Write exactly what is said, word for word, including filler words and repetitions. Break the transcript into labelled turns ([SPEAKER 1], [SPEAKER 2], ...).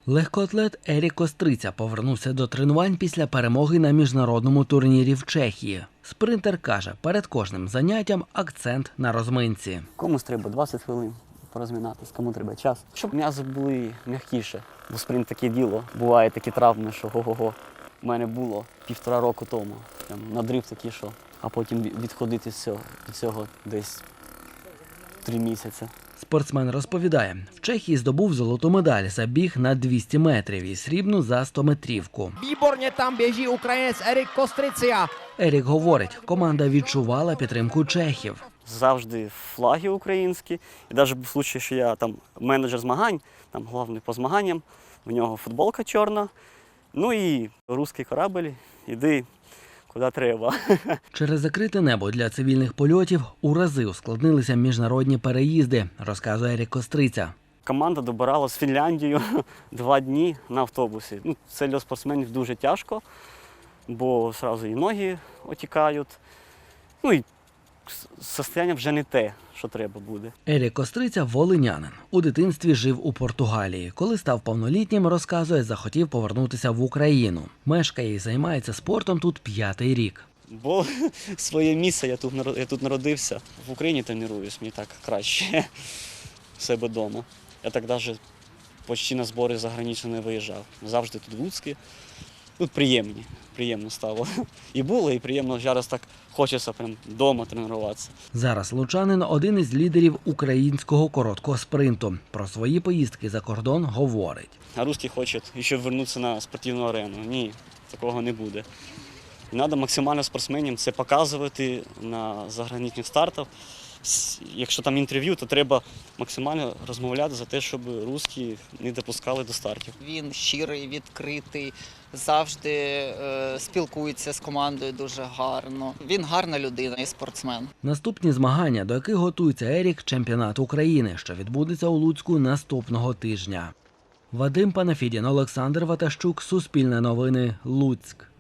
[SPEAKER 1] Легкоатлет Ерік Костриця повернувся до тренувань після перемоги на міжнародному турнірі в Чехії. Спринтер каже, перед кожним заняттям акцент на розминці.
[SPEAKER 2] Комусь треба двадцять хвилин порозмінатись, кому треба час. Щоб м'язи були м'якіше, бо спринт таке діло. Буває такі травми, що го-го-го. У мене було півтора року тому. Прям надрив такий, що, а потім відходити з цього, від цього десь три місяці.
[SPEAKER 1] Спортсмен розповідає, в Чехії здобув золоту медаль за біг на двісті метрів і срібну за стометрівку.
[SPEAKER 3] Výborně tam běží Ukrajinec Erik Kostrycia.
[SPEAKER 1] Ерік говорить, команда відчувала підтримку чехів.
[SPEAKER 2] Завжди флаги українські. І навіть був случай, що я там менеджер змагань, там головний по змаганням, в нього футболка чорна, ну і русський корабль, іди куди треба.
[SPEAKER 1] Через закрите небо для цивільних польотів у рази ускладнилися міжнародні переїзди, розказує Ерік Костриця.
[SPEAKER 2] Команда добирала з Фінляндією два дні на автобусі. Ну, це для спортсменів дуже тяжко, бо одразу і ноги отікають, ну і состояння вже не те, що треба буде.
[SPEAKER 1] Ерік Костриця – волинянин. У дитинстві жив у Португалії. Коли став повнолітнім, розказує, захотів повернутися в Україну. Мешкає і займається спортом тут п'ятий рік.
[SPEAKER 2] Бо своє місце, я тут, я тут народився. В Україні тренуюсь, мені так краще в себе вдома. Я так навіть почти на збори заграничні не виїжджав. Завжди тут в Луцьку. Тут приємні, приємно стало. І було, і приємно зараз так хочеться прям вдома тренуватися.
[SPEAKER 1] Зараз лучанин – один із лідерів українського короткого спринту. Про свої поїздки за кордон говорить.
[SPEAKER 2] А русські хочуть ще повернутися на спортивну арену. Ні, такого не буде. Треба максимально спортсменам це показувати на заграничних стартах. Якщо там інтерв'ю, то треба максимально розмовляти за те, щоб русські не допускали до стартів.
[SPEAKER 4] Він щирий, відкритий, завжди е, спілкується з командою дуже гарно. Він гарна людина і спортсмен.
[SPEAKER 1] Наступні змагання, до яких готується Ерік – чемпіонат України, що відбудеться у Луцьку наступного тижня. Вадим Панафідін, Олександр Ватащук, Суспільне новини, Луцьк.